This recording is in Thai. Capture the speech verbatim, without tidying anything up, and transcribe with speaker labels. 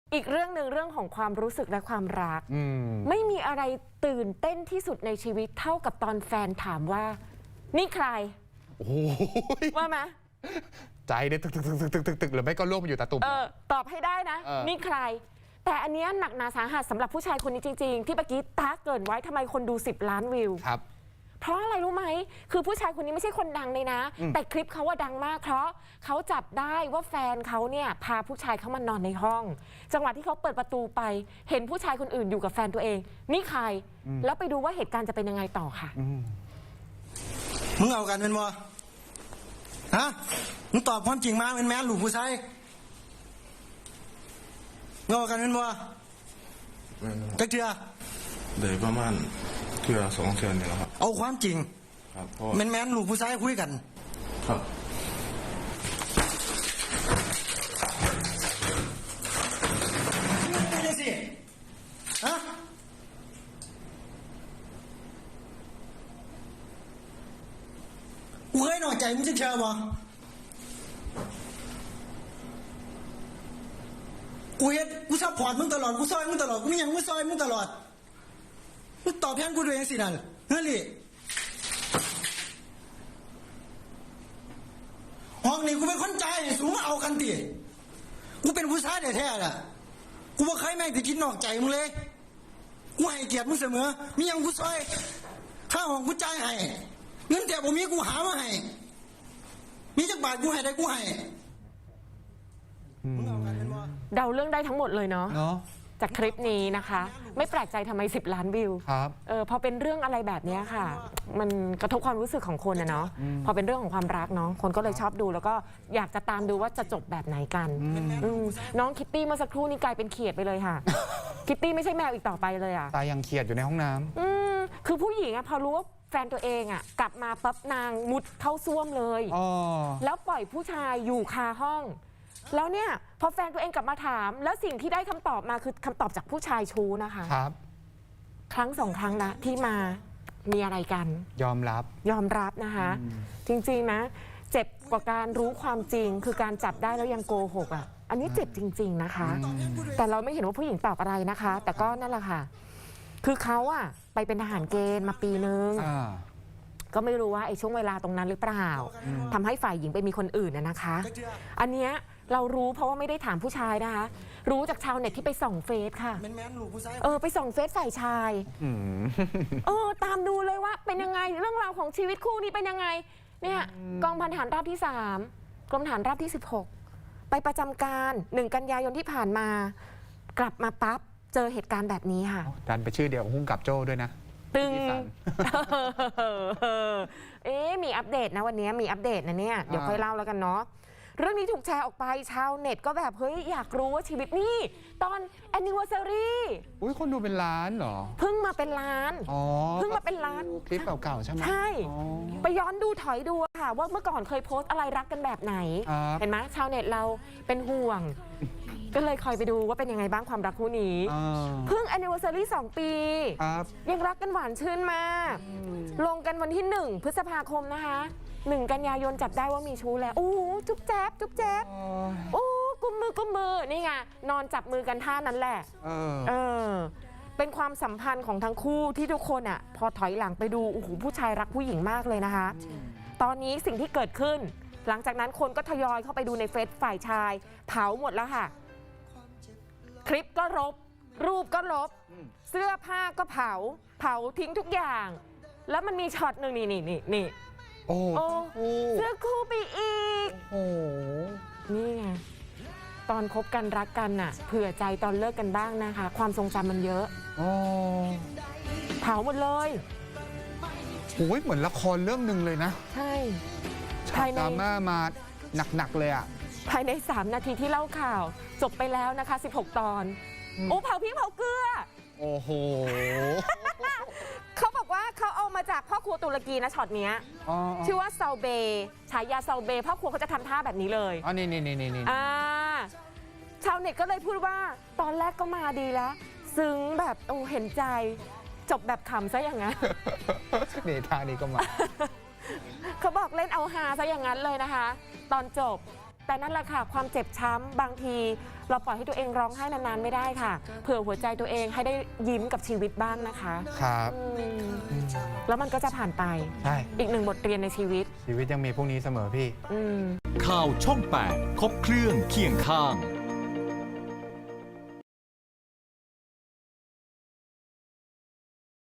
Speaker 1: อีกเรื่องหนึ่งเรื่องของความรู้สึกและความรักมไม่มีอะไรตื่นเต้นที่สุดในชีวิตเท่ากับตอนแฟนถามว่านี่ใคร
Speaker 2: โอ้ย
Speaker 1: ว่าไหม
Speaker 2: ใจเนี่ยตึกตึกตึกตึกตึกตึกหรือไม่ก็ล่วงไปอยู่ตาตุ่ม
Speaker 1: เออตอบให้ได้นะนี่ใครแต่อันนี้หนักหนาสาหัสสำหรับผู้ชายคนนี้จริงๆที่เมื่อกี้ตาเกินไว้ทำไมคนดูสิบล้านวิว
Speaker 2: ครับ
Speaker 1: เพราะอะไรรู้ไหมคือผู้ชายคนนี้ไม่ใช่คนดังเลยนะแต่คลิปเขาว่าดังมากเพราะเขาจับได้ว่าแฟนเขาเนี่ยพาผู้ชายเขามานอนในห้องจังหวะที่เขาเปิดประตูไปเห็นผู้ชายคนอื่นอยู่กับแฟนตัวเองนี่ใครแล้วไปดูว่าเหตุการณ์จะเป็นยังไงต่อค่ะ
Speaker 3: มึงเอากันเป็นบ่ฮะมึงตอบความจริงมาเป็นแม่หลูกผู้ชายมึงเอากันเป็นบ่จักเทื่อ
Speaker 4: เดี๋ยวประมาณเทื่อสองเทื่อนี่แหละครับ
Speaker 3: เอาความจริง
Speaker 4: ครับ
Speaker 3: แมนแมนหลูกผู้ชายคุยกัน
Speaker 4: ครับ
Speaker 3: นี่สิฮะกูเคยหน่อยใจมึงจะเชื่อบ่กูเฮ็ดกูซัพพอร์ตมึงตลอดกูซอยมึงตลอดกูไม่ยังมึงซอยมึงตลอดมึงตอบแทนกูด้วยยังสินั่นเฮ้ยห้องนี้กูเป็นคนใจสูงมาเอากันติกูเป็นผู้ชายแท้ๆล่ะกูบ่เคยแม่งจะคิดนอกใจมึงเลยกูให้เกียรติมึงเสมอมียังกูซอยค่าห้องกูจ่ายให้เงินแต่บ่มีกูหามาให้มีจักบาทกูให้ได้กูให้
Speaker 1: เดาเรื่องได้ทั้งหมดเลยเนาะจากคลิปนี้นะคะไม่แปลกใจทำไมสิบล้านวิว
Speaker 2: ครับ
Speaker 1: เออพอเป็นเรื่องอะไรแบบนี้ค่ะมันกระทบความรู้สึกของคนนะเนาะพอเป็นเรื่องของความรักเนาะคนก็เลยชอบดูแล้วก็อยากจะตามดูว่าจะจบแบบไหนกันน้องคิตตี้เมื่อสักครู่นี้กลายเป็นเขียดไปเลยค่ะคิตตี้ไม่ใช่แมวอีกต่อไปเลยอ่ะ
Speaker 2: ตายังเขียดอยู่ในห้องน้ำ
Speaker 1: อืมคือผู้หญิงอะพอรู้ว่าแฟนตัวเองอ่ะกลับมาปั๊บนางมุดเข้าซ่วมเลยแล้วปล่อยผู้ชายอยู่คาห้องแล้วเนี่ยพอแฟนตัวเองกลับมาถามแล้วสิ่งที่ได้คำตอบมาคือคำตอบจากผู้ชายชู้นะคะ
Speaker 2: ครับ
Speaker 1: ครั้งสองครั้งนะที่มามีอะไรกัน
Speaker 2: ยอมรับ
Speaker 1: ยอมรับนะคะจริงๆนะเจ็บกว่าการรู้ความจริงคือการจับได้แล้วยังโกหกอ่ะอันนี้เจ็บจริงๆนะคะแต่เราไม่เห็นว่าผู้หญิงตอบอะไรนะคะแต่ก็นั่นแหละค่ะคือเขาอ่ะไปเป็นทหารเกณฑ์มาปีนึงก็ไม่รู้ว่าไอ้ช่วงเวลาตรงนั้นหรือเปล่าทำให้ฝ่ายหญิงไปมีคนอื่นนะคะอันเนี้ยเรารู้เพราะว่าไม่ได้ถามผู้ชายนะคะรู้จากชาวเน็ตที่ไปส่องเฟซค่ะเออไปส่องเฟซฝ่ายชายเออตามดูเลยว่าเป็นยังไงเรื่องราวของชีวิตคู่นี้เป็นยังไงเนี่ยกองพันฐานราบที่สามกรมฐานราบที่สิบหกไปประจำการหนึ่งกันยายนที่ผ่านมากลับมาปั๊บเจอเหตุการณ์แบบนี้ค่ะ
Speaker 2: ดันไปชื่อเดียวหุ้งกับโจ้ด้วยนะ
Speaker 1: ตึงเอ๊มีอัปเดตนะวันนี้มีอัปเดตนะเนี่ยเดี๋ยวค่อยเล่าแล้วกันเนาะเรื่องนี้ถูกแชร์ออกไปชาวเน็ตก็แบบเฮ้ยอยากรู้ว่าชีวิตนี่ตอน anniversary
Speaker 2: อุ้ยคนดูเป็นล้านเหรอ
Speaker 1: เพิ่งมาเป็นล้านเพิ่งมาเป็นล้าน
Speaker 2: คลิปเก่าๆใช่ไหม
Speaker 1: ใช่ไปย้อนดูถอยดูค่ะว่าเมื่อก่อนเคยโพสต์อะไรรักกันแบบไหนเห็นไหมชาวเน็ตเราเป็นห่วงก็เลยคอยไปดูว่าเป็นยังไงบ้างความรักคู่นี้เพิ่ง anniversary สองปียังรักกันหวานชื่นมากลงกันวันที่หนึ่งพฤษภาคมนะคะหนึ่งกันยายนจับได้ว่ามีชู้แล้วโอ้จุ๊บแจ๊บจุ๊บแจ๊บโอ้กุมมือกุมมือนี่ไงนอนจับมือกันท่านั้นแหละเออเป็นความสัมพันธ์ของทั้งคู่ที่ทุกคนอ่ะพอถอยหลังไปดูโอ้โหผู้ชายรักผู้หญิงมากเลยนะคะตอนนี้สิ่งที่เกิดขึ้นหลังจากนั้นคนก็ทยอยเข้าไปดูในเฟซฝ่ายชายเผาหมดแล้วค่ะคลิปก็ลบรูปก็ลบเสื้อผ้าก็เผาเผาทิ้งทุกอย่างแล้วมันมีช็อตหนึ่งนี่นี่นี่นี่
Speaker 2: โอ้
Speaker 1: เสื้อคู่ไปอีกโอ้นี่ไงตอนคบกันรักกันน่ะเผื่อใจตอนเลิกกันบ้างนะคะความทรงจำมันเยอะเผาหมดเลย
Speaker 2: โอ้ยเหมือนละครเรื่องหนึ่งเลยนะ
Speaker 1: ใช่
Speaker 2: ฉากดราม่ามาหนักๆเลยอ่ะ
Speaker 1: ภายในสามนาทีที่เล่าข่าวจบไปแล้วนะคะสิบหกตอนโอ้เผาพริกเผาเกลือ
Speaker 2: โอ้โห
Speaker 1: เขาบอกว่าเขาเอามาจากพ่อครัวตุรกีนะช็อตเนี้ยชื่อว่าซาเบฉายาซาเบพ่อครัวเขาจะทำท่าแบบนี้เลย
Speaker 2: อ๋อนี่นี่นี่นี่
Speaker 1: อ่าชาวเน็ตก็เลยพูดว่าตอนแรกก็มาดีแล้วซึ้งแบบโอ้เห็นใจจบแบบขำซะอย่างนั้น
Speaker 2: นี่ท่านี้ก็มา
Speaker 1: เขาบอกเล่นเอาฮาซะอย่างนั้นเลยนะคะตอนจบแต่นั่นแหละค่ะความเจ็บช้ำบางทีเราปล่อยให้ตัวเองร้องไห้นานๆไม่ได้ค่ะเผื่อหัวใจตัวเองให้ได้ยิ้มกับชีวิตบ้างนะคะ
Speaker 2: ครับ
Speaker 1: แล้วมันก็จะผ่านไป
Speaker 2: ใช่
Speaker 1: อีกหนึ่งบทเรียนในชีวิต
Speaker 2: ชีวิตยังมีพรุ่งนี้เสมอพี่
Speaker 1: อืม
Speaker 5: ข่าวช่องแปดครบเครื่องเคียงข้าง